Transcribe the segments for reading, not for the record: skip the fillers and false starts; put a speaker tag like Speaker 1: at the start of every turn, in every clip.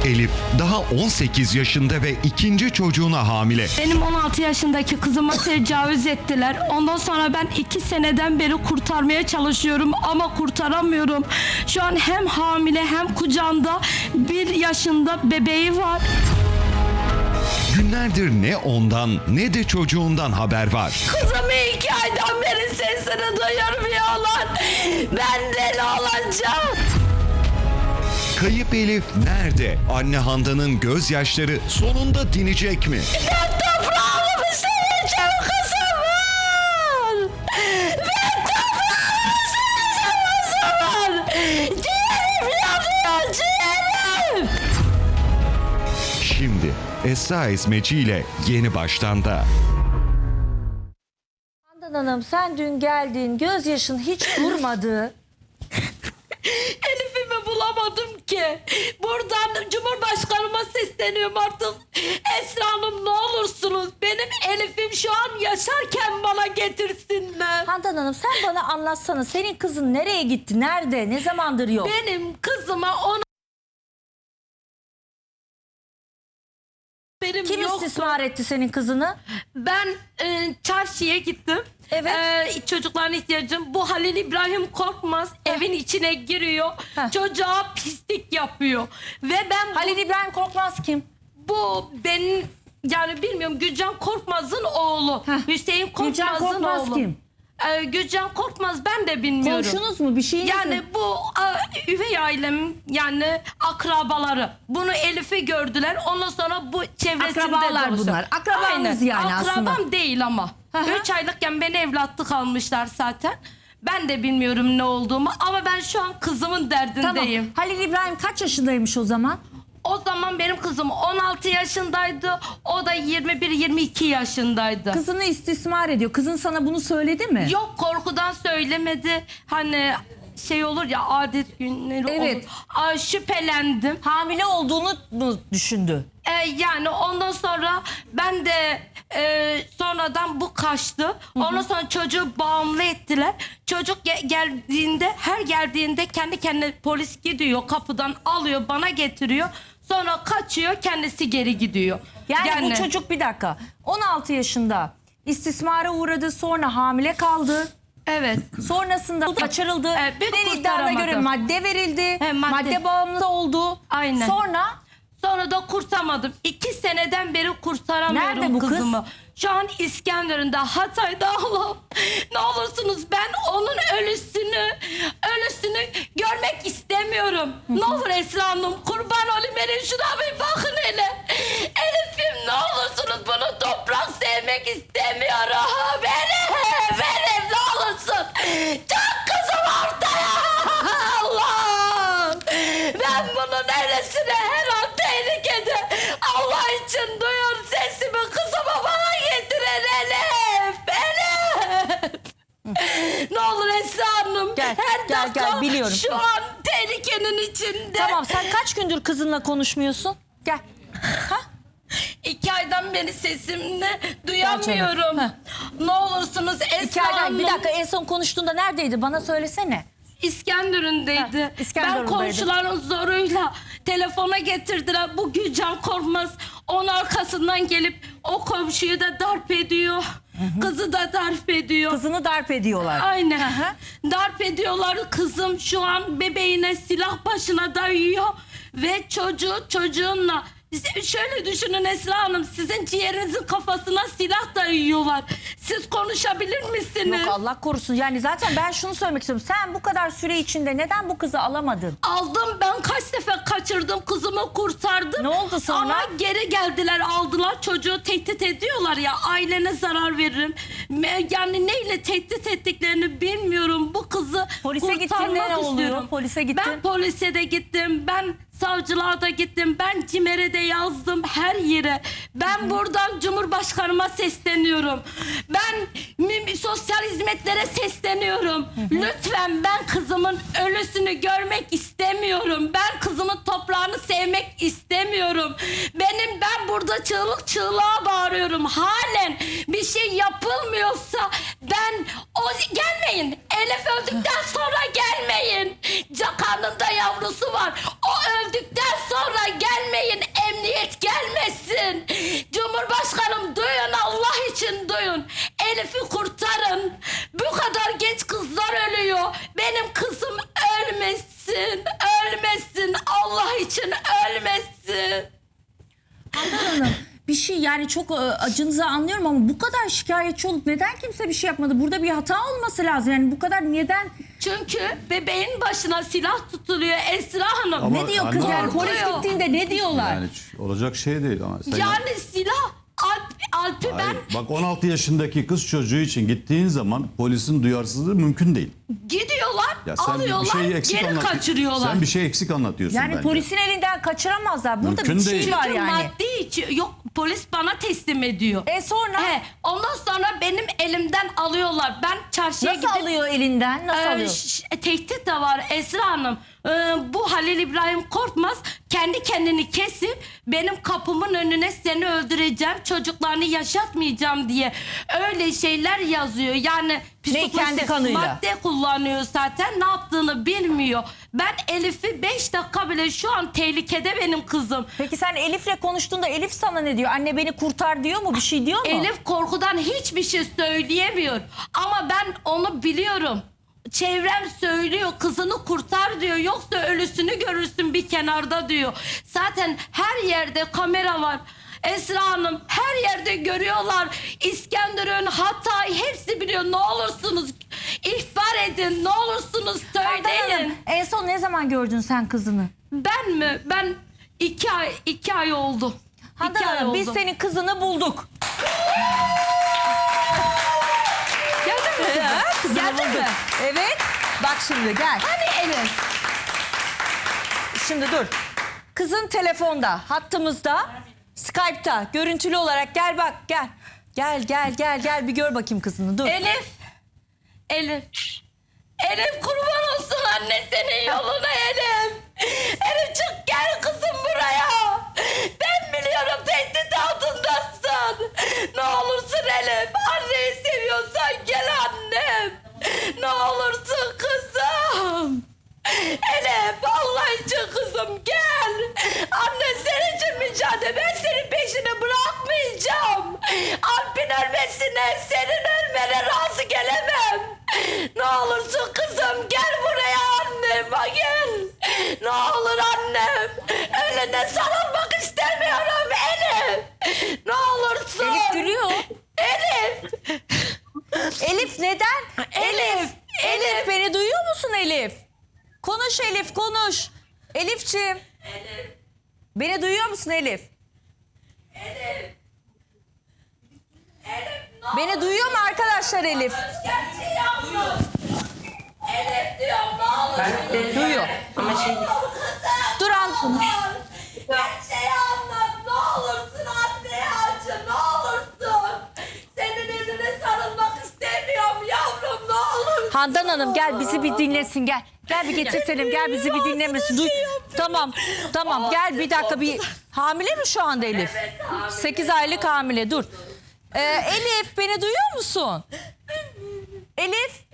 Speaker 1: Elif daha 18 yaşında ve ikinci çocuğuna hamile.
Speaker 2: Benim 16 yaşındaki kızıma tecavüz ettiler. Ondan sonra ben 2 seneden beri kurtarmaya çalışıyorum ama kurtaramıyorum. Şu an hem hamile hem kucağında 1 yaşında bebeği var.
Speaker 1: Günlerdir ne ondan ne de çocuğundan haber var.
Speaker 2: Kızımı 2 aydan beri sesini duyurmuyorlar. Ben deli olacağım.
Speaker 1: Kayıp Elif nerede? Anne Handan'ın gözyaşları sonunda dinecek mi?
Speaker 2: Ben toprağımı seveceğim kızımın. Ben toprağımı seveceğim kızımın. Ciğerim yanıyor, ciğerim.
Speaker 1: Şimdi Esra Esmeci ile Yeni Baştan'da.
Speaker 3: Handan Hanım, sen dün geldin, gözyaşın hiç durmadı.
Speaker 2: Elif'imi bulamadım ki. Buradan Cumhurbaşkanıma sesleniyorum artık. Esra Hanım, ne olursunuz benim Elif'im şu an yaşarken bana getirsinler.
Speaker 3: Handan Hanım, sen bana anlatsana, senin kızın nereye gitti, nerede, ne zamandır yok?
Speaker 2: Benim kızıma onu benim
Speaker 3: Kim
Speaker 2: yoktu.
Speaker 3: istismar etti senin kızını?
Speaker 2: Ben çarşıya gittim.
Speaker 3: Evet.
Speaker 2: Çocukların ihtiyacım. Bu Halil İbrahim Korkmaz evin içine giriyor.
Speaker 3: Heh.
Speaker 2: Çocuğa pislik yapıyor. Ve ben
Speaker 3: Halil İbrahim Korkmaz kim?
Speaker 2: bu benim yani bilmiyorum, Gülcan Korkmaz'ın oğlu.
Speaker 3: Heh.
Speaker 2: Hüseyin Korkmaz'ın
Speaker 3: Gülcan Korkmaz
Speaker 2: oğlu.
Speaker 3: kim?
Speaker 2: Gülcan Korkmaz ben de bilmiyorum.
Speaker 3: Komşunuz mu, bir şeyiniz
Speaker 2: Yani
Speaker 3: mi?
Speaker 2: bu üvey ailem, yani akrabaları. Bunu Elif'i gördüler. Ondan sonra bu çevresinde
Speaker 3: Akrabalar
Speaker 2: dolaşıyor.
Speaker 3: bunlar. Akrabanız yani
Speaker 2: Akrabam
Speaker 3: aslında.
Speaker 2: değil ama.
Speaker 3: Hı hı.
Speaker 2: 3 aylıkken beni evlatlık almışlar zaten. Ben de bilmiyorum ne olduğumu ama ben şu an kızımın
Speaker 3: Tamam.
Speaker 2: derdindeyim.
Speaker 3: Halil İbrahim kaç yaşındaymış o zaman?
Speaker 2: O zaman benim kızım 16 yaşındaydı. O da 21-22 yaşındaydı.
Speaker 3: Kızını istismar ediyor. Kızın sana bunu söyledi mi?
Speaker 2: Yok, korkudan söylemedi. Hani şey olur ya, adet günleri
Speaker 3: Evet.
Speaker 2: olur. Şüphelendim.
Speaker 3: Hamile olduğunu mu düşündü?
Speaker 2: Yani ondan sonra ben de sonradan bu kaçtı. Ondan sonra çocuğu bağımlı ettiler. Çocuk geldiğinde, her geldiğinde kendi kendine polis gidiyor, kapıdan alıyor, bana getiriyor. Sonra kaçıyor, kendisi geri gidiyor.
Speaker 3: Yani bu çocuk, bir dakika, 16 yaşında istismara uğradı, sonra hamile kaldı.
Speaker 2: Evet.
Speaker 3: Sonrasında kaçırıldı.
Speaker 2: bir
Speaker 3: Senin iddiana göre
Speaker 2: kurtaramadım.
Speaker 3: madde verildi.
Speaker 2: Madde.
Speaker 3: Madde bağımlısı oldu.
Speaker 2: Aynen. Sonra da kurtarmadım. 2 seneden beri kurtaramıyorum
Speaker 3: Nerede bu kız?
Speaker 2: kızımı. Şu an İskenderun'da, Hatay'da. Allah'ım ne olursunuz, ben onun ölüsünü görmek istemiyorum. Ne olur Esra Hanım, kurban olayım, benim şuna bir bakın hele. Elif'im, ne olursunuz, bunu toprak sevmek istemiyorum. Benim ne olursun. Çok kızım ortaya. Allah'ım. Ben bunun neresine, her an tehlikede. Allah için duyun sesimi, kızımı bana getirin Elif. Elif. Ne olur Esra Hanım.
Speaker 3: Gel,
Speaker 2: her
Speaker 3: gel,
Speaker 2: dakika
Speaker 3: gel, biliyorum.
Speaker 2: şu an tehlikenin içinde.
Speaker 3: Tamam, sen kaç gündür kızınla konuşmuyorsun? Gel.
Speaker 2: 2 aydan beri sesimle duyamıyorum.
Speaker 3: Heh.
Speaker 2: Ne olursunuz Esra
Speaker 3: 2 aydan,
Speaker 2: Hanım.
Speaker 3: bir dakika, en son konuştuğunda neredeydi? Bana söylesene.
Speaker 2: İskenderun'daydı.
Speaker 3: Heh, İskenderun'daydı.
Speaker 2: Ben komşuların zoruyla telefona getirdiler. Bu Gülcan Korkmaz onun arkasından gelip o komşuyu da darp ediyor. Kızı da darp ediyor.
Speaker 3: Kızını darp ediyorlar.
Speaker 2: Aynen.
Speaker 3: Hı hı.
Speaker 2: Darp ediyorlar. Kızım şu an bebeğine silah başına dayıyor. Ve çocuğunla. Şöyle düşünün Esra Hanım, sizin ciğerinizin kafasına silah dayıyorlar. Siz konuşabilir misiniz?
Speaker 3: Yok, Allah korusun. Yani zaten ben şunu söylemek istiyorum. Sen bu kadar süre içinde neden bu kızı alamadın?
Speaker 2: Aldım, ben kaç sefer kaçırdım, kızımı kurtardım.
Speaker 3: Ne oldu sonra?
Speaker 2: Ama geri geldiler, aldılar, çocuğu tehdit ediyorlar ya, ailene zarar veririm. Yani neyle tehdit ettiklerini bilmiyorum. Bu kızı
Speaker 3: Polise gittin,
Speaker 2: kurtarmak
Speaker 3: ne oluyor?
Speaker 2: istiyorum.
Speaker 3: Polise gittin.
Speaker 2: Ben polise de gittim, ben savcılığa da gittim, ben CİMER'e de yazdım, her yere. Ben buradan Cumhurbaşkanıma sesleniyorum. Ben sosyal hizmetlere sesleniyorum. Lütfen, ben kızımın ölüsünü görmek istemiyorum. Ben kızımın toprağını sevmek istemiyorum. Ben burada çığlık çığlığa bağırıyorum. Halen bir şey yapılmıyorsa gelmeyin. Elif öldükten sonra gelmeyin. Karnında yavrusu var. O öldükten sonra gelmeyin. Allah için ölmesin.
Speaker 3: Handan Hanım bir şey yani çok acınızı anlıyorum ama bu kadar şikayetçi olup neden kimse bir şey yapmadı? Burada bir hata olması lazım. Yani bu kadar neden?
Speaker 2: Çünkü bebeğin başına silah tutuluyor Esra Hanım.
Speaker 4: Ama
Speaker 3: Ne diyor kız
Speaker 4: Handan
Speaker 3: yani?
Speaker 4: Hanım-
Speaker 3: Polis
Speaker 2: Korkuyor.
Speaker 3: gittiğinde ne diyorlar?
Speaker 4: Yani olacak şey değil ama. Sen
Speaker 2: Yani silah Alp'i ben
Speaker 4: Hayır, bak 16 yaşındaki kız çocuğu için gittiğin zaman polisin duyarsızlığı mümkün değil.
Speaker 2: gidiyorlar,
Speaker 4: Ya sen bir
Speaker 2: alıyorlar,
Speaker 4: şey eksik
Speaker 2: geri
Speaker 4: anlatıyorsun.
Speaker 2: kaçırıyorlar.
Speaker 4: Sen bir şey eksik anlatıyorsun
Speaker 3: Yani
Speaker 4: bence.
Speaker 3: polisin elinden kaçıramazlar. Burada
Speaker 4: Mümkün
Speaker 3: bir şey
Speaker 4: değil.
Speaker 3: var
Speaker 2: Çünkü
Speaker 3: yani.
Speaker 2: maddi yok polis bana teslim ediyor.
Speaker 3: Sonra
Speaker 2: Ondan sonra benim elimden alıyorlar. Ben çarşıya
Speaker 3: nasıl
Speaker 2: gidip
Speaker 3: alıyor elinden? Nasıl alıyor?
Speaker 2: tehdit de var Esra Hanım. Bu Halil İbrahim Korkmaz kendi kendini kesip benim kapımın önüne seni öldüreceğim, çocuklarını yaşatmayacağım diye öyle şeyler yazıyor. Yani
Speaker 3: kendi kanıyla?
Speaker 2: madde kullanıyor zaten, ne yaptığını bilmiyor. Ben Elif'i 5 dakika bile şu an tehlikede benim kızım.
Speaker 3: Peki sen Elif'le konuştuğunda Elif sana ne diyor? Anne beni kurtar diyor mu? Bir şey diyor mu?
Speaker 2: Elif korkudan hiçbir şey söyleyemiyor. Ama ben onu biliyorum. Çevrem söylüyor, kızını kurtar diyor. Yoksa ölüsünü görürsün bir kenarda diyor. Zaten her yerde kamera var. Esra Hanım, her yerde görüyorlar. İskenderun, Hatay hepsi biliyor. Ne olursunuz ihbar edin. Ne olursunuz
Speaker 3: Handan Hanım,
Speaker 2: söyleyin.
Speaker 3: en son ne zaman gördün sen kızını?
Speaker 2: Ben mi? Ben 2 ay oldu.
Speaker 3: Handan
Speaker 2: 2 ay
Speaker 3: Hanım biz
Speaker 2: oldu.
Speaker 3: senin kızını bulduk.
Speaker 2: Geldin mi?
Speaker 3: Kızını
Speaker 2: Geldin
Speaker 3: bulduk.
Speaker 2: mi?
Speaker 3: Evet. Bak şimdi gel.
Speaker 2: Hani Elif?
Speaker 3: Şimdi dur. Kızın telefonda, hattımızda, Skype'ta, görüntülü olarak gel bak gel. Gel bir gör bakayım kızını dur.
Speaker 2: Elif. Elif kurban olsun anne senin yoluna Elif. Elif çık gel kızım buraya. Ben biliyorum tehdit altındasın. Ne olursun Elif. Anneyi seviyorsan gel annem. Ne olursun kızım. Elif Allah için kızım gel. Anne senin için mücadele. Ben senin peşini bırakmayacağım. Alp'in ölmesine senin ölmene razı gelemem. Ne olursun kızım gel buraya annem gel. Ne olur annem. Ölene sarılmak istemiyorum Elif. Ne olursun.
Speaker 3: Elif gülüyor.
Speaker 2: Elif.
Speaker 3: Elif neden? Elif beni duyuyor musun Elif? Konuş Elif konuş. Elifciğim. Beni duyuyor musun Elif? Beni duyuyor mu arkadaşlar Elif?
Speaker 2: Gerçeği anlat. Elif diyorum ne olur.
Speaker 3: Duyuyor.
Speaker 5: Ama şey
Speaker 3: Dur Anton.
Speaker 2: Gerçeği anlat ne olursun anneye acı ne olursun. Senin eline sarılmak istemiyorum yavrum ne olur.
Speaker 3: Handan Hanım gel bizi bir dinlesin gel. Gel bir getirtelim gel bizi bir dinlemesin. Duy. Tamam gel bir dakika bir hamile mi şu anda Elif? 8 aylık hamile dur. Elif beni duyuyor musun? Elif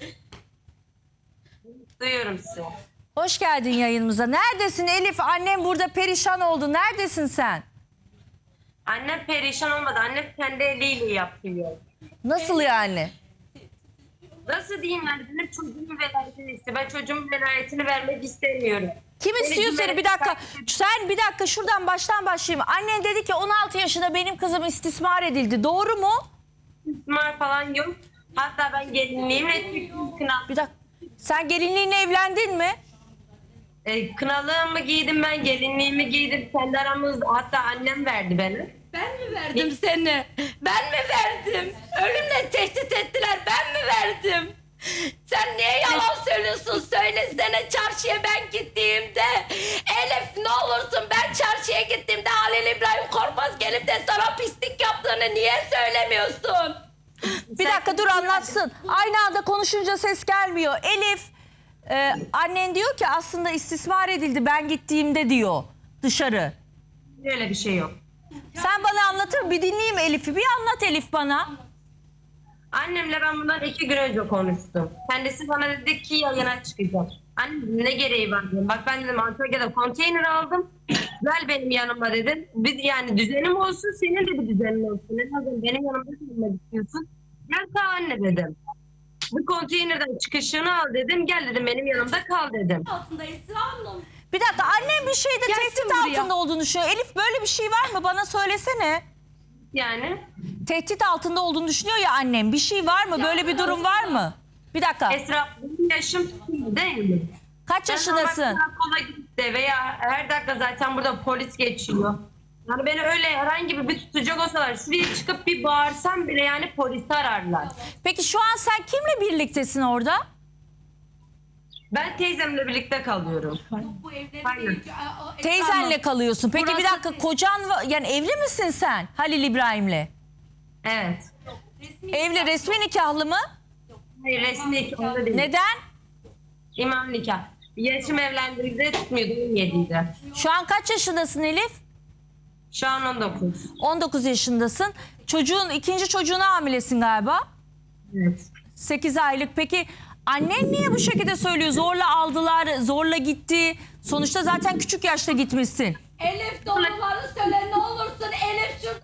Speaker 5: duyuyorum sizi.
Speaker 3: hoş geldin yayınımıza. Neredesin Elif? Annem burada perişan oldu. Neredesin sen?
Speaker 5: Annem perişan olmadı. Annem kendi eliyle yapıyor.
Speaker 3: Nasıl yani?
Speaker 5: Nasıl diyeyim yani benim çocuğumun velayetini istiyor. Ben çocuğumun velayetini vermek istemiyorum.
Speaker 3: Kim istiyor seni? Bir dakika. Sen bir dakika şuradan baştan başlayayım. Annen dedi ki 16 yaşında benim kızım istismar edildi. Doğru mu?
Speaker 5: İstismar falan yok. Hatta ben gelinliğimle çıktım kınal.
Speaker 3: Bir dakika. Sen gelinliğinle evlendin mi?
Speaker 5: Kınalığımı giydim ben, gelinliğimi giydim. Kendi aramızda hatta annem verdi beni.
Speaker 2: Ben mi verdim seni? Ben mi verdim? Ölümle tehdit ettiler ben mi verdim? Sen niye yalan söylüyorsun? Söylesene çarşıya ben gittiğimde. Elif ne olursun ben çarşıya gittiğimde Halil İbrahim Korkmaz gelip de sana pislik yaptığını niye söylemiyorsun?
Speaker 3: Bir dakika dur anlatsın. Aynı anda konuşunca ses gelmiyor. Elif annen diyor ki aslında istismar edildi ben gittiğimde diyor dışarı.
Speaker 5: Öyle bir şey yok.
Speaker 3: Sen bana anlatır bir dinleyeyim Elif'i. Bir anlat Elif bana.
Speaker 5: Annemle ben bundan 2 gün önce konuştum. Kendisi bana dedi ki yayına çıkacak. Annem dedim, ne gereği var dedim. Bak ben dedim Antalya'da konteyner aldım. Gel benim yanıma dedim. Yani düzenim olsun senin de bir düzenin olsun. Ne dedim benim yanımda kalmak istiyorsun. Gel kal anne dedim. Bu konteynerden çıkışını al dedim. Gel dedim benim yanımda kal dedim.
Speaker 2: Altında Esra Hanım.
Speaker 3: Bir dakika annem bir şeyde
Speaker 2: Gelsin
Speaker 3: tehdit
Speaker 2: buraya.
Speaker 3: altında olduğunu düşünüyor. Elif böyle bir şey var mı? Bana söylesene.
Speaker 5: Yani
Speaker 3: Tehdit altında olduğunu düşünüyor ya annem. Bir şey var mı? Böyle bir durum var mı? Bir dakika.
Speaker 5: Esra benim yaşım değil mi?
Speaker 3: Kaç
Speaker 5: Ben
Speaker 3: yaşındasın?
Speaker 5: normal karakola gidip de veya her dakika zaten burada polis geçiyor. Yani beni öyle herhangi bir tutacak olsalar şuraya çıkıp bir bağırsam bile yani polisi ararlar.
Speaker 3: Peki şu an sen kimle birliktesin orada?
Speaker 5: Ben teyzemle birlikte kalıyorum.
Speaker 2: Bu evleri
Speaker 5: Aynen.
Speaker 2: değil.
Speaker 3: Teyzenle kalıyorsun. Peki bir
Speaker 2: Burası
Speaker 3: dakika
Speaker 2: değil.
Speaker 3: kocan yani evli misin sen Halil İbrahim'le?
Speaker 5: Evet.
Speaker 3: Evli, resmi nikahlı mı?
Speaker 5: Hayır resmi nikahlı değil.
Speaker 3: Neden?
Speaker 5: İmam nikah. Yaşım evlendiğimde tutmuyordu 17'ydi.
Speaker 3: Şu an kaç yaşındasın Elif?
Speaker 5: Şu an 19.
Speaker 3: 19 yaşındasın. İkinci çocuğuna hamilesin galiba.
Speaker 5: Evet.
Speaker 3: 8 aylık. Peki annen niye bu şekilde söylüyor? Zorla aldılar, zorla gitti. Sonuçta zaten küçük yaşta gitmişsin.
Speaker 2: Elif doğruları söyle ne olursun Elif şurada.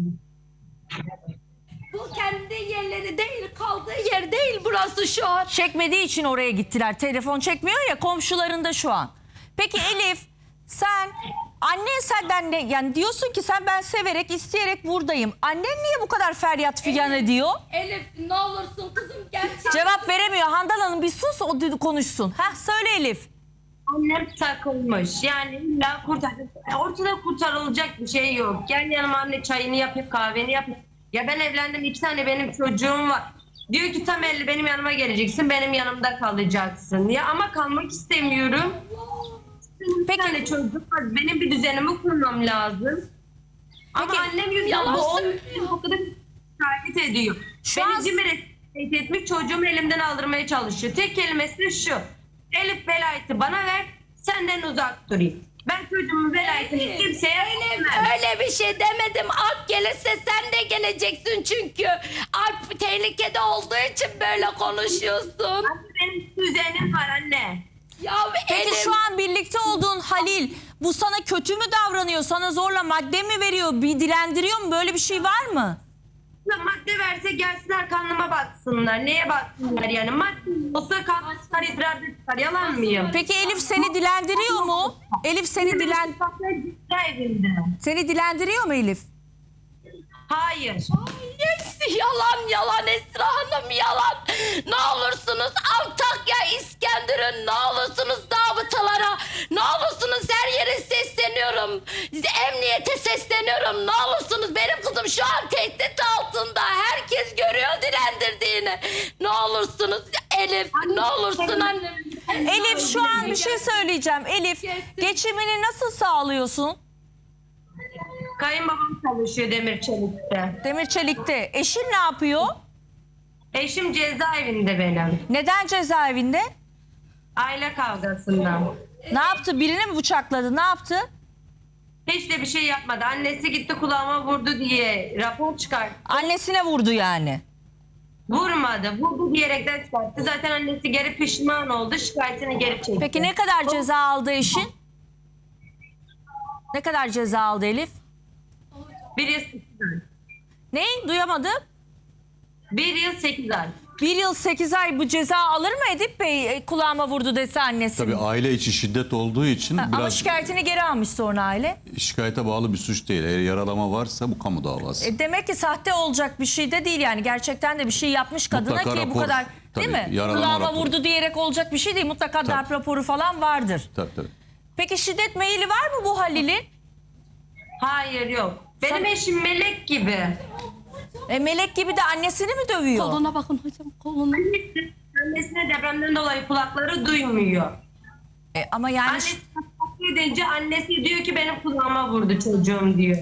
Speaker 2: Bu kendi yerleri değil, kaldığı yer değil burası şu an.
Speaker 3: Çekmediği için oraya gittiler. Telefon çekmiyor ya, komşularında şu an. Peki Elif, sen annen senden ne, yani diyorsun ki ben severek isteyerek buradayım. Annen niye bu kadar feryat figan ediyor?
Speaker 2: Elif ne olursun kızım gerçekten.
Speaker 3: Cevap veremiyor. Handan Hanım bir sus, o konuşsun. Söyle Elif.
Speaker 5: Annem takılmış. Yani illa ortada kurtarılacak bir şey yok. Gel yanıma anne çayını yapıp kahveni yapıp. Ya ben evlendim 2 tane benim çocuğum var. Diyor ki tam 50 benim yanıma geleceksin benim yanımda kalacaksın. Ya ama kalmak istemiyorum. Benim
Speaker 3: Peki.
Speaker 5: bir tane çocuğum var. Benim bir düzenimi kurmam lazım. Ama
Speaker 3: Peki,
Speaker 5: annem yüzünden
Speaker 2: yalan
Speaker 5: bu
Speaker 2: söylüyor.
Speaker 5: o kadar şikayet ediyor.
Speaker 3: Şu
Speaker 5: Beni
Speaker 3: an-
Speaker 5: cimri etmiş çocuğumu elimden aldırmaya çalışıyor. Tek kelimesi de şu. Elif velayeti bana ver senden uzak durayım. Ben çocuğumun velayetini kimseye
Speaker 2: Elif
Speaker 5: vermem.
Speaker 2: öyle bir şey demedim. Alp gelirse sen de geleceksin çünkü. Alp tehlikede olduğu için böyle konuşuyorsun.
Speaker 5: Anne benim düzenim var anne.
Speaker 2: Ya
Speaker 3: Peki
Speaker 2: Elif.
Speaker 3: şu an birlikte olduğun Halil bu sana kötü mü davranıyor? Sana zorla madde mi veriyor? Bir dilendiriyor mu? Böyle bir şey var mı?
Speaker 5: Madde verse gelsinler kanlıma baksınlar. Neye baksınlar yani? Madde olsa kanlıklar idrarda çıkar. Yalan mıyım?
Speaker 3: Peki Elif seni dilendiriyor mu? Elif seni dilendiriyor mu Elif?
Speaker 5: Hayır.
Speaker 2: Hepsi yalan Esra Hanım yalan. Ne olursunuz Antakya, İskenderun, ne olursunuz davıtalara, ne olursunuz her yere sesleniyorum. Emniyete sesleniyorum. Ne olursunuz benim kızım şu an tehdit altında. Herkes görüyor dilendirdiğini. Ne olursunuz Elif, ne olursun annem.
Speaker 3: Elif şu an bir şey söyleyeceğim. Elif geçimini nasıl sağlıyorsun?
Speaker 5: Kayınbabam çalışıyor Demirçelik'te.
Speaker 3: Demirçelik'te. Eşin ne yapıyor?
Speaker 5: Eşim cezaevinde benim.
Speaker 3: Neden cezaevinde?
Speaker 5: Aile kavgasından.
Speaker 3: Ne yaptı? Birini mi bıçakladı? Ne yaptı?
Speaker 5: Hiç de bir şey yapmadı. Annesi gitti kulağıma vurdu diye rapor çıkarttı.
Speaker 3: Annesine vurdu yani.
Speaker 5: Vurmadı. Vurdu diyerekten çıkarttı. Zaten annesi geri pişman oldu. Şikayetini geri çekti.
Speaker 3: Peki ne kadar ceza aldı eşin? Ne kadar ceza aldı Elif?
Speaker 5: 1 yıl 8 ay.
Speaker 3: Ne? Duyamadım.
Speaker 5: 1 yıl 8 ay.
Speaker 3: 1 yıl 8 ay bu ceza alır mı Edip Bey? Kulağıma vurdu dese annesi.
Speaker 4: Tabii aile içi şiddet olduğu için
Speaker 3: Ama
Speaker 4: biraz
Speaker 3: şikayetini geri almış sonra aile.
Speaker 4: şikayete bağlı bir suç değil. Eğer yaralama varsa bu kamu davası.
Speaker 3: Demek ki sahte olacak bir şey de değil yani. Gerçekten de bir şey yapmış kadına
Speaker 4: Mutlaka
Speaker 3: ki bu
Speaker 4: rapor,
Speaker 3: kadar değil
Speaker 4: tabii,
Speaker 3: mi?
Speaker 4: yaralama
Speaker 3: Kulağıma
Speaker 4: raporu.
Speaker 3: vurdu diyerek olacak bir şey değil. Mutlaka
Speaker 4: Tabii.
Speaker 3: darp raporu falan vardır.
Speaker 4: Tabii.
Speaker 3: Peki şiddet meyili var mı bu Halil'in?
Speaker 5: Hayır yok. Benim eşim melek gibi.
Speaker 3: Melek gibi de annesini mi dövüyor?
Speaker 2: Koluna bakın hocam koluna.
Speaker 5: Annesine depremden dolayı kulakları duymuyor.
Speaker 3: Ama yani
Speaker 5: Annesi takip edince annesi diyor ki benim kulağıma vurdu çocuğum diyor.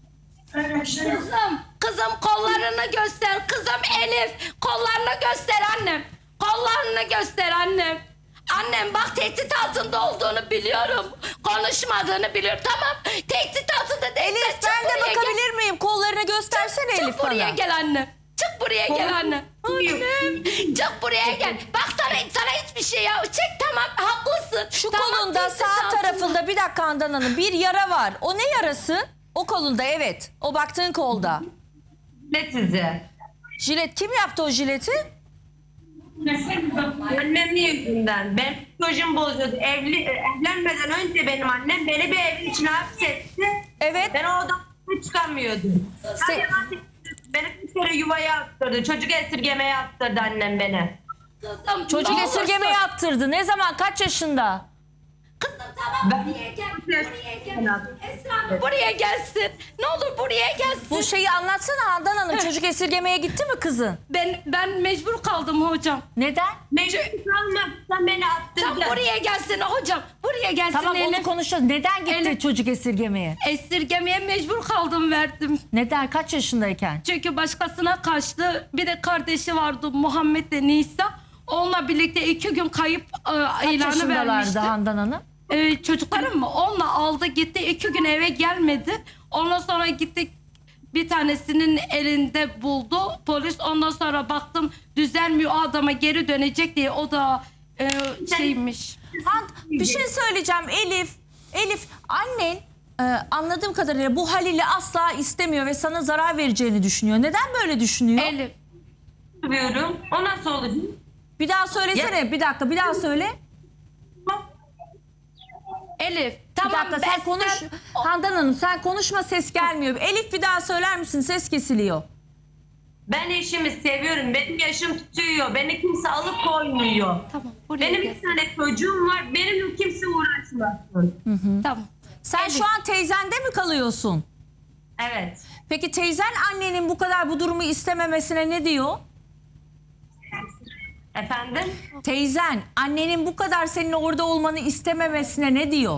Speaker 2: Kızım kollarını göster. Kızım Elif kollarını göster annem. Kollarını göster annem. Annem bak tehdit altında olduğunu biliyorum. Konuşmadığını biliyorum. Tamam. Tehdit altında değil.
Speaker 3: Elif ben de bakabilir miyim? Kollarını göstersene Elif
Speaker 2: Çık buraya
Speaker 3: bana.
Speaker 2: gel anne. Çık buraya gel anne. Annem. Çık buraya gel. Bak sana hiçbir şey ya. Çek tamam haklısın.
Speaker 3: Şu
Speaker 2: Tamam,
Speaker 3: kolunda
Speaker 2: tehdit
Speaker 3: sağ
Speaker 2: altında.
Speaker 3: tarafında bir dakika Handan Hanım bir yara var. O ne yarası? O kolunda evet. O baktığın kolda.
Speaker 5: Ne size?
Speaker 3: Jilet kim yaptı o jileti?
Speaker 5: Annemin yüzünden. Ben psikolojimi bozuyordu. Evlenmeden önce benim annem beni bir evin içine hapsetti.
Speaker 3: Evet.
Speaker 5: Ben o odadan çıkamıyordum. Beni bir kere yuvaya attırdı. Çocuk esirgemeye attırdı annem beni.
Speaker 2: Kızım,
Speaker 3: Çocuk
Speaker 2: ne olursun.
Speaker 3: esirgemeye attırdı. Ne zaman? Kaç yaşında?
Speaker 2: Kızım tamam buraya gel. Buraya gel. Esra Hanım buraya gelsin. Ne olur buraya gelsin.
Speaker 3: Bu şeyi anlatsana Handan Hanım. Çocuk esirgemeye gitti mi kızın?
Speaker 2: Ben mecbur kaldım hocam.
Speaker 3: Neden?
Speaker 5: Mecbur kalmaktan beni
Speaker 2: Sen
Speaker 5: attırdı.
Speaker 2: buraya gelsin hocam. Buraya gelsin
Speaker 3: Tamam onu
Speaker 2: Elif.
Speaker 3: konuşacağız. Neden gitti
Speaker 2: Elif.
Speaker 3: çocuk esirgemeye?
Speaker 2: Esirgemeye mecbur kaldım verdim.
Speaker 3: Neden? Kaç yaşındayken?
Speaker 2: Çünkü başkasına kaçtı. Bir de kardeşi vardı Muhammed de Nisa. Onunla birlikte 2 gün kayıp
Speaker 3: Kaç
Speaker 2: ilanı
Speaker 3: yaşındalardı
Speaker 2: vermişti.
Speaker 3: Handan Hanım?
Speaker 2: Çocuklarım mı? Onunla aldı gitti. 2 gün eve gelmedi. Ondan sonra gittik. Bir tanesinin elinde buldu polis. Ondan sonra baktım düzelmiyor, o adama geri dönecek diye. O da şeymiş.
Speaker 3: Bir şey söyleyeceğim Elif annen anladığım kadarıyla bu Halil'i asla istemiyor ve sana zarar vereceğini düşünüyor. Neden böyle düşünüyor?
Speaker 2: Elif.
Speaker 5: Diyorum. O nasıl olacak?
Speaker 3: Bir daha söylesene. Bir dakika bir daha söyle.
Speaker 2: Elif.
Speaker 3: Bir
Speaker 2: Tamam
Speaker 3: dakika sen konuş. Handan Hanım sen konuşma ses gelmiyor. Elif bir daha söyler misin? Ses kesiliyor.
Speaker 5: Ben eşimi seviyorum. Benim yaşım tutuyor. Beni kimse alıp koymuyor.
Speaker 2: Tamam. Buraya
Speaker 5: Benim
Speaker 2: gel.
Speaker 5: bir tane çocuğum var. Benimle kimse uğraşmasın.
Speaker 2: Tamam.
Speaker 3: Sen şu an teyzende mi kalıyorsun?
Speaker 5: Evet.
Speaker 3: Peki teyzen annenin bu kadar bu durumu istememesine ne diyor?
Speaker 5: Efendim?
Speaker 3: Teyzen annenin bu kadar senin orada olmanı istememesine ne diyor?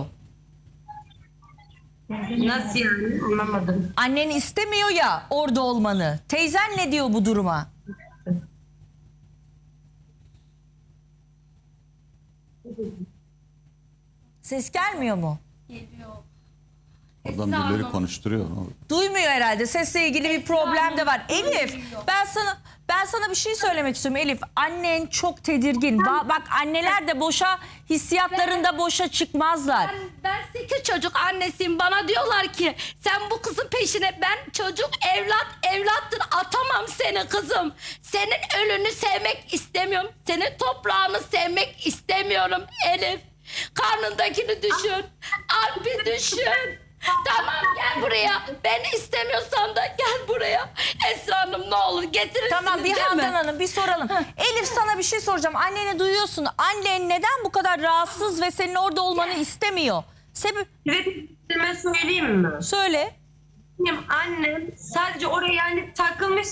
Speaker 5: Nasıl yani? Anlamadım.
Speaker 3: Annen istemiyor ya orada olmanı. Teyzen ne diyor bu duruma? Ses gelmiyor mu?
Speaker 2: Geliyor.
Speaker 4: Adam
Speaker 2: Esra
Speaker 4: birileri
Speaker 2: Hanım.
Speaker 4: konuşturuyor.
Speaker 3: Duymuyor herhalde. Sesle ilgili bir problem de var. Elif, ben sana bir şey söylemek istiyorum Elif. Annen çok tedirgin. Bak anneler de boşa hissiyatlarında boşa çıkmazlar.
Speaker 2: Ben 8 çocuk annesiyim. Bana diyorlar ki sen bu kızın peşine, ben çocuk evlattır atamam seni kızım. Senin ölünü sevmek istemiyorum. Senin toprağını sevmek istemiyorum Elif. Karnındakini düşün. Alp'i düşün. Tamam gel buraya. Beni istemiyorsan da gel buraya. Esra Hanım ne olur getirirsiniz
Speaker 3: Tamam bir
Speaker 2: değil mi?
Speaker 3: Handan Hanım bir soralım. Elif sana bir şey soracağım. Anneni duyuyorsun. Annen neden bu kadar rahatsız ve senin orada olmanı istemiyor? Sebep
Speaker 5: Size söyleyeyim mi?
Speaker 3: söyle.
Speaker 5: Benim annem sadece oraya yani takılmış.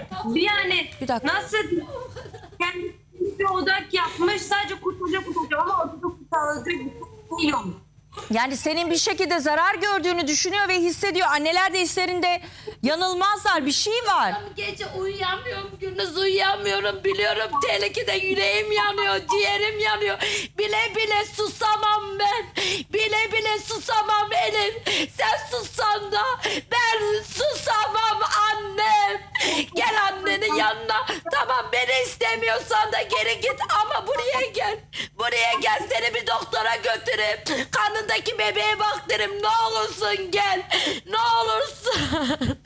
Speaker 5: Yani
Speaker 3: Bir dakika.
Speaker 5: nasıl kendi bir odak yapmış, sadece kurtulacak ama ortada kurtarılacak bir şey yok.
Speaker 3: Yani senin bir şekilde zarar gördüğünü düşünüyor ve hissediyor. Anneler de hislerinde yanılmazlar. Bir şey var.
Speaker 2: Gece uyuyamıyorum, gündüz uyuyamıyorum. Biliyorum tehlikede, yüreğim yanıyor, ciğerim yanıyor. Bile bile susamam ben. Bile bile susamam Elif. Sen sussan da ben susamam annem. Gel annenin yanına. Tamam beni istemiyorsan da geri git ama buraya gel. Buraya gel, seni bir doktora götüreyim. Karnındaki bebeğe baktırayım. Ne olursun gel. Ne olursun.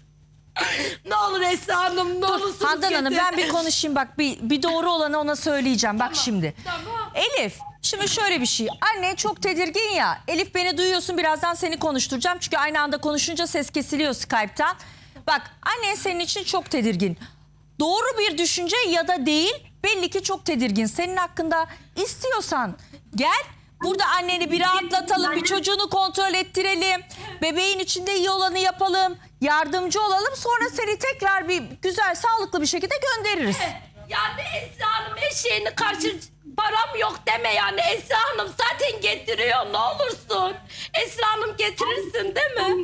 Speaker 2: Ne olur Esra Hanım, ne olursun.
Speaker 3: Handan Hanım ben bir konuşayım bak bir doğru olanı ona söyleyeceğim bak şimdi.
Speaker 2: Tamam.
Speaker 3: Elif şimdi şöyle bir şey. Anne çok tedirgin ya. Elif beni duyuyorsun, birazdan seni konuşturacağım. Çünkü aynı anda konuşunca ses kesiliyor Skype'tan. Bak annen senin için çok tedirgin. Doğru bir düşünce ya da değil, belli ki çok tedirgin. Senin hakkında istiyorsan gel. Burada anneni bir rahatlatalım, bir çocuğunu kontrol ettirelim. Bebeğin içinde iyi olanı yapalım. Yardımcı olalım. Sonra seni tekrar bir güzel, sağlıklı bir şekilde göndeririz.
Speaker 2: Yani Esra Hanım eşeğini karşı param yok deme yani. Esra Hanım zaten getiriyor, ne olursun. Esra Hanım getirirsin değil mi?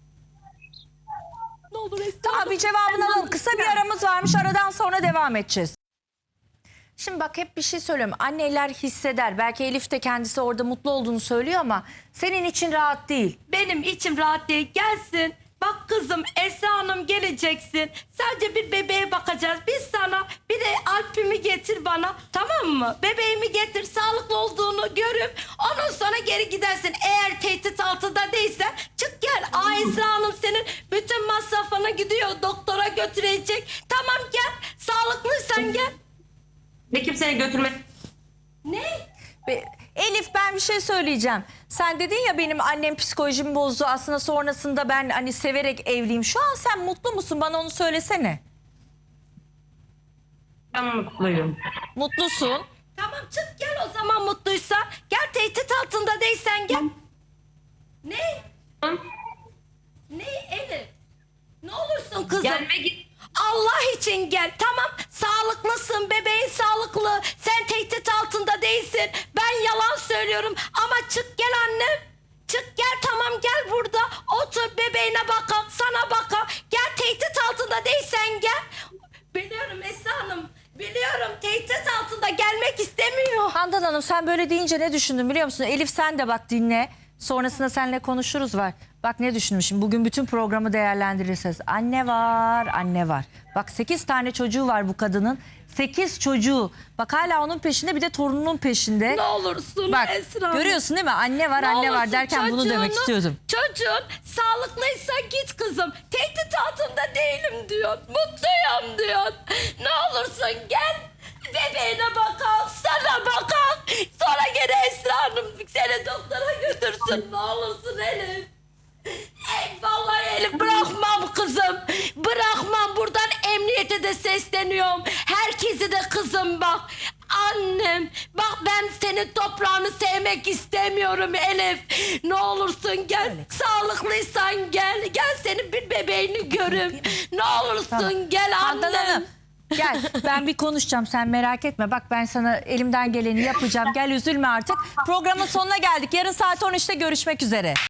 Speaker 2: Ne olur Esra
Speaker 3: Tamam
Speaker 2: Hanım.
Speaker 3: bir cevabını alalım. Kısa bir aramız varmış. Aradan sonra devam edeceğiz. Şimdi bak hep bir şey söylüyorum. Anneler hisseder. Belki Elif de kendisi orada mutlu olduğunu söylüyor ama senin için rahat değil.
Speaker 2: Benim içim rahat değil. Gelsin. Bak kızım Esra Hanım geleceksin. Sadece bir bebeğe bakacağız. Biz sana bir de Alp'imi getir bana. Tamam mı? Bebeğimi getir. Sağlıklı olduğunu görüp ondan sonra geri gidersin. Eğer tehdit altında değilsen çık gel. Esra Hanım senin bütün masrafına gidiyor. Doktora götürecek. Tamam gel. Sağlıklıysan gel.
Speaker 5: Ve kimse seni götürmek.
Speaker 2: Ne?
Speaker 3: Elif ben bir şey söyleyeceğim. Sen dedin ya benim annem psikolojimi bozdu. Aslında sonrasında ben hani severek evliyim. Şu an sen mutlu musun? Bana onu söylesene.
Speaker 5: Ben mutluyum.
Speaker 3: Mutlusun.
Speaker 2: Tamam çık gel o zaman mutluysa. Gel tehdit altında değilsen gel. Ne?
Speaker 5: Hı?
Speaker 2: Ne Elif? Ne olursun kızım?
Speaker 5: Gelme git.
Speaker 2: Allah için gel. Tamam sağlıklısın, bebeğin sağlıklı. Sen tehdit altında değilsin. Ben yalan söylüyorum ama çık gel annem. Çık gel tamam gel burada. Otur bebeğine bakalım, sana bakalım. Gel tehdit altında değilsen gel. Biliyorum Esra Hanım. Biliyorum tehdit altında gelmek istemiyor.
Speaker 3: Handan Hanım sen böyle deyince ne düşündün biliyor musun? Elif sen de bak dinle. Sonrasında seninle konuşuruz var. Bak ne düşünmüşüm. Bugün bütün programı değerlendirirseniz. Anne var, anne var. Bak 8 tane çocuğu var bu kadının. 8 çocuğu. Bak hala onun peşinde bir de torununun peşinde.
Speaker 2: Ne olursun
Speaker 3: Bak
Speaker 2: Esra Hanım.
Speaker 3: görüyorsun değil mi? Anne var,
Speaker 2: Ne
Speaker 3: anne var
Speaker 2: olursun
Speaker 3: derken bunu demek istiyordum.
Speaker 2: Çocuğun sağlıklıysa git kızım. Tehdit altında değilim diyor. Mutluyum diyor. Ne olursun gel. Bebeğine bakalım, sana bakalım. Sonra gene Esra Hanım seni doktora götürsün. Ne olursun Elif. Ey vallahi Elif bırakmam kızım. Bırakmam. Buradan emniyete de sesleniyorum. Herkesi de kızım bak. Annem bak ben senin toprağını sevmek istemiyorum Elif. Ne olursun gel. Sağlıklıysan gel. Gel senin bir bebeğini görüm. Ne olursun gel
Speaker 3: Handan
Speaker 2: annem.
Speaker 3: Hanım gel ben bir konuşacağım sen merak etme. Bak ben sana elimden geleni yapacağım. Gel üzülme artık. Programın sonuna geldik. Yarın saat 13'te görüşmek üzere.